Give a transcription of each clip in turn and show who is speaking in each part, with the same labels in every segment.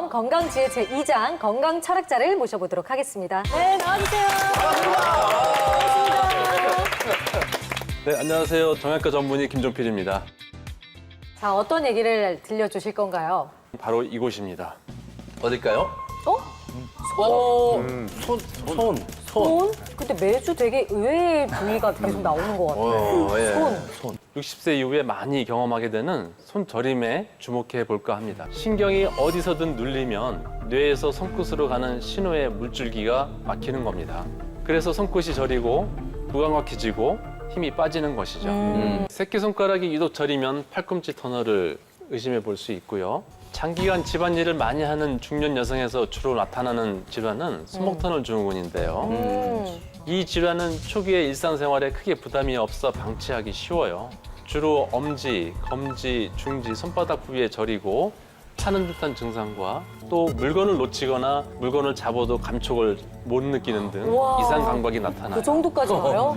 Speaker 1: 다음 건강지혜 제2장 건강 철학자를 모셔보도록 하겠습니다. 네, 나와주세요.
Speaker 2: 네, 안녕하세요. 정형외과 전문의 김종필입니다.
Speaker 1: 자, 어떤 얘기를 들려주실 건가요?
Speaker 2: 바로 이곳입니다.
Speaker 3: 어딜까요?
Speaker 1: 손? 근데 매주 되게 의외의 부위가 계속 나오는 것 같아요.
Speaker 3: 예.
Speaker 1: 손.
Speaker 2: 60세 이후에 많이 경험하게 되는 손저림에 주목해 볼까 합니다. 신경이 어디서든 눌리면 뇌에서 손끝으로 가는 신호의 물줄기가 막히는 겁니다. 그래서 손끝이 저리고 무감각해지고 힘이 빠지는 것이죠. 새끼손가락이 유독 저리면 팔꿈치 터널을 의심해 볼 수 있고요. 장기간 집안일을 많이 하는 중년 여성에서 주로 나타나는 질환은 손목터널 증후군인데요. 이 질환은 초기에 일상생활에 크게 부담이 없어 방치하기 쉬워요. 주로 엄지, 검지, 중지, 손바닥 부위에 저리고 타는 듯한 증상과 또 물건을 놓치거나 물건을 잡아도 감촉을 못 느끼는 등
Speaker 1: 우와.
Speaker 2: 이상 감각이 나타나요.
Speaker 1: 그 정도까지 와요?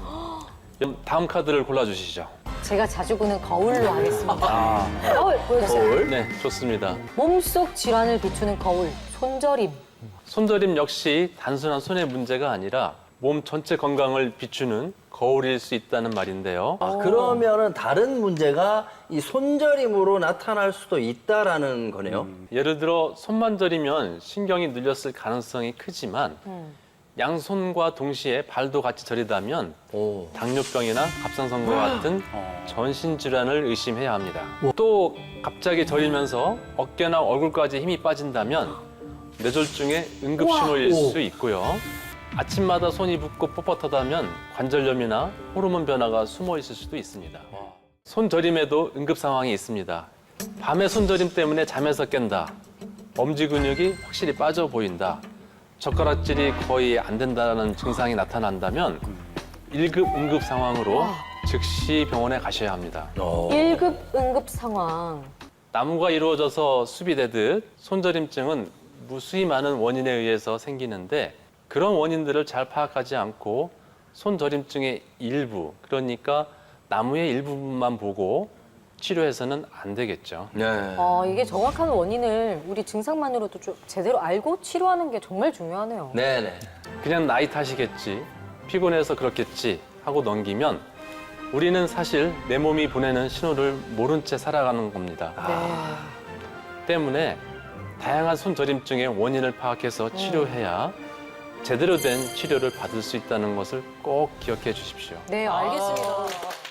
Speaker 2: 다음 카드를 골라주시죠.
Speaker 1: 제가 자주 보는 거울로 하겠습니다. 거울 보여주세요.
Speaker 2: 네, 좋습니다.
Speaker 1: 몸속 질환을 비추는 거울, 손저림.
Speaker 2: 손저림 역시 단순한 손의 문제가 아니라 몸 전체 건강을 비추는 거울일 수 있다는 말인데요.
Speaker 3: 그러면은 다른 문제가 이 손저림으로 나타날 수도 있다라는 거네요.
Speaker 2: 예를 들어 손만 저리면 신경이 눌렸을 가능성이 크지만 양손과 동시에 발도 같이 저리다면
Speaker 3: 오.
Speaker 2: 당뇨병이나 갑상선과 같은 전신 질환을 의심해야 합니다. 또 갑자기 저리면서 어깨나 얼굴까지 힘이 빠진다면 뇌졸중의 응급 신호일 수 있고요. 아침마다 손이 붓고 뻣뻣하다면 관절염이나 호르몬 변화가 숨어 있을 수도 있습니다. 손저림에도 응급 상황이 있습니다. 밤에 손저림 때문에 잠에서 깬다. 엄지 근육이 확실히 빠져 보인다. 젓가락질이 거의 안 된다는 증상이 나타난다면 1급 응급 상황으로 즉시 병원에 가셔야 합니다.
Speaker 1: 1급 응급 상황.
Speaker 2: 나무가 이루어져서 숲이 되듯 손저림증은 무수히 많은 원인에 의해서 생기는데 그런 원인들을 잘 파악하지 않고 손저림증의 일부, 그러니까 나무의 일부분만 보고 치료해서는 안 되겠죠.
Speaker 3: 네.
Speaker 1: 이게 정확한 원인을 우리 증상만으로도 좀 제대로 알고 치료하는 게 정말 중요하네요.
Speaker 3: 네네.
Speaker 2: 그냥 나이 탓이겠지, 피곤해서 그렇겠지 하고 넘기면 우리는 사실 내 몸이 보내는 신호를 모른 채 살아가는 겁니다. 때문에 다양한 손저림증의 원인을 파악해서 치료해야 제대로 된 치료를 받을 수 있다는 것을 꼭 기억해 주십시오.
Speaker 1: 네, 알겠습니다.